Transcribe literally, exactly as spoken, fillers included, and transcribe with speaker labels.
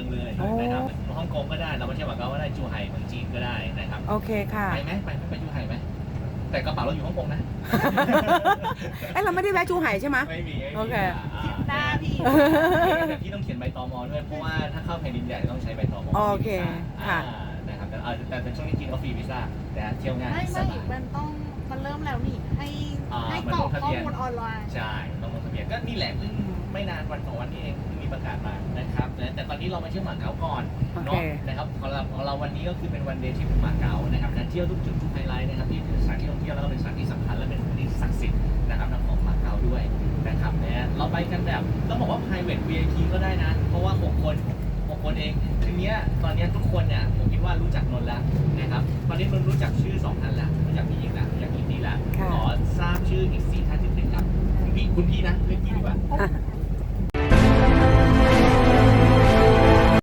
Speaker 1: องเลยนะครับฮ่องกงก็ได้เราไม่ใช่หวังก็ได้จูไห่เมืองจีนก็ได้นะครับ
Speaker 2: โอเคค่ะ
Speaker 1: ไปไหมไปไปจูไห่ไหมแต่กระเป๋าเราอยู่ฮ่องกงนะ
Speaker 2: เอ้เราไม่ได้แวะจูไห่ใช่ไหม
Speaker 1: ไม่มี
Speaker 2: โอเค
Speaker 3: หน้าพี่
Speaker 1: แต่พี่ต้องเขียนใบตมด้วยเพราะว่าถ้าเข้าแผ่นดินใหญ่ต้องใช้ใบตม
Speaker 2: โอเคค่ะ
Speaker 1: นะครับแต่แต่เป็นช่วงนี้จีนเขาฟรีวีซ่าแต่เที่ยวง่าย
Speaker 3: ไม่ไม่มันต้องมันเริ่มแล้วนี่ให้ให้กรอกข้อมูลออนไลน์
Speaker 1: ใช่ต้องลงทะเบียนก็นี่แหละเพิ่งไม่นานวันสองวันนี้เองเพิ่งมีประกาศมานะครับแต่ตอนนี้เรามาเที่ยวหมาเก๊าก่อนเนาะนะครับของเราของเราวันนี้ก็คือเป็นวันเดย์ที่หมาเก๊านะครับนั้นเที่ยวทุกจุดทุกไฮไลท์นะครับที่เป็นสถานที่ท่องเที่ยวแล้วก็เป็นสถานที่สำคัญและเป็นสถานที่ศักดิ์สิทธิ์นะครับของหมาเก๊าด้วยนะครับเนี่ยเราไปกันแบบต้องบอกว่า private วี ไอ พี ก็ได้นะเพราะว่าหกคนหกคนเองทีเนี้ยตอนนี้ทุกคนเนี่ยผมคิดว่ารู้จักนนท์แล้วนะครับตอนนี้นนท์รู้จักชื่อสองท่านแล้วรู้จักพี่หญิงแล้วรู้จักอินดี้แล้วขอทราบชื่ออีกสี่ท่านที่เป็นครับคุณพี่คุณพี่นะเรียกพี่ดีกว่า